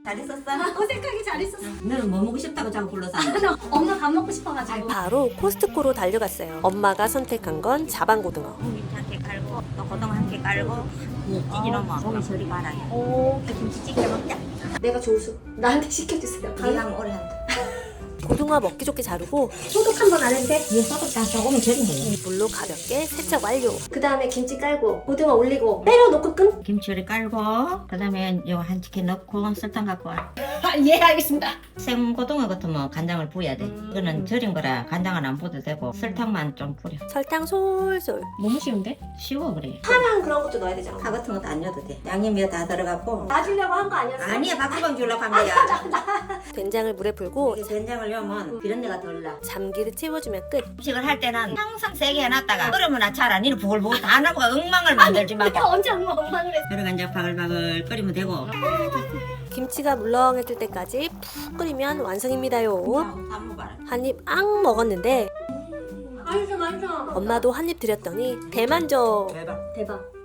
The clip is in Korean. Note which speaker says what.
Speaker 1: 잘했었어?
Speaker 2: 어색하게 잘했었어.
Speaker 1: 너는 뭐 먹고 싶다고 자꾸 불러서
Speaker 2: 엄마 밥 먹고 싶어가지고.
Speaker 3: 바로 코스트코로 달려갔어요. 엄마가 선택한 건 자반고등어.
Speaker 1: 고기 한개 깔고 또 고등어 한 개 깔고 찌개 넣으면 고기 저리 가라.
Speaker 2: 오,
Speaker 1: 김치찌개 먹자.
Speaker 2: 내가 조수. 나한테 시켜주세요.
Speaker 1: 네가 하면 오래 한다.
Speaker 3: 고등어 먹기 좋게 자르고
Speaker 2: 소독 한 번 안 해도 돼?
Speaker 1: 얘 소독 다 조금 절인 거야.
Speaker 3: 물로 가볍게 세척 완료.
Speaker 2: 그 다음에 김치 깔고 고등어 올리고 때려놓고 끈?
Speaker 1: 김치를 깔고 그다음에 요 한 치킨 넣고 설탕 갖고 와.
Speaker 2: 예, 알겠습니다.
Speaker 1: 생고등어 같으면 간장을 부어야 돼. 이거는 절인 거라 간장은 안 부어도 되고 설탕만 좀 뿌려.
Speaker 3: 설탕 솔솔.
Speaker 2: 너무 쉬운데?
Speaker 1: 쉬워 그래.
Speaker 2: 파랑 그런 것도 넣어야 되잖아.
Speaker 1: 파 같은 것도 안 넣어도 돼. 양념이 다 들어가고.
Speaker 2: 놔주려고 한 거 아니었어?
Speaker 1: 아니야 밥주방 주려고 한 거야.
Speaker 3: 된장을 물에 불고
Speaker 1: 이게 된장을 넣으면 비린내가 덜 나.
Speaker 3: 잠기를 채워주면 끝.
Speaker 1: 음식을 할 때는 항상 세게 해놨다가 끓으면 잘 안 이는 부글부글 다 나고 엉망을 만들지 마.
Speaker 2: 내가 언제 엉망을 했어?
Speaker 1: 그러니까 이제 바글바글 끓이면 되고.
Speaker 3: 김치가 물렁해질 때까지 푹 끓이면 완성입니다요.
Speaker 1: 다 먹어라.
Speaker 3: 한 입 앙 먹었는데
Speaker 2: 맛있어, 맛있어.
Speaker 3: 엄마도 한 입 드렸더니 대만족.
Speaker 1: 대박.
Speaker 2: 대박.